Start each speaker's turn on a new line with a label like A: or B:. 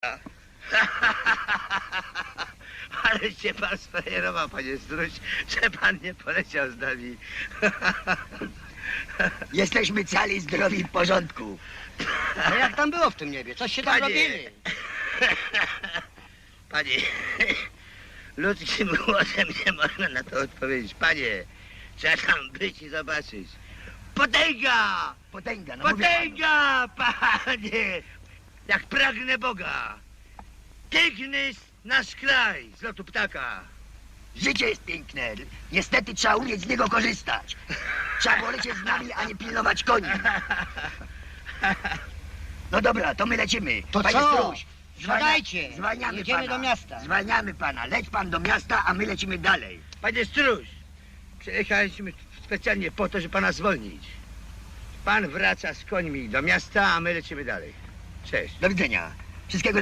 A: Ale się pan sferował, panie Struś, że pan nie poleciał z nami.
B: Jesteśmy cali, zdrowi, w porządku.
C: No jak tam było w tym niebie? Coś się tam
A: Panie.
C: robili.
A: Panie, ludzkim głosem nie można na to odpowiedzieć. Panie, trzeba tam być i zobaczyć. Potęga!
B: Potęga, no mówię panu.
A: Potęga, panie! Jak pragnę Boga. Piękny jest nasz kraj z lotu ptaka.
B: Życie jest piękne. Niestety trzeba umieć z niego korzystać. Trzeba było lecieć z nami, a nie pilnować koni. No dobra, to my lecimy.
C: To
B: Panie
C: co?
B: Struś,
C: Siadajcie.
B: zwalniamy
C: Jedziemy
B: pana.
C: do miasta.
B: Zwalniamy pana. Leć pan do miasta, a my lecimy dalej.
A: Panie Struś, przyjechaliśmy specjalnie po to, żeby pana zwolnić. Pan wraca z końmi do miasta, a my lecimy dalej. Cześć.
B: Do widzenia. Wszystkiego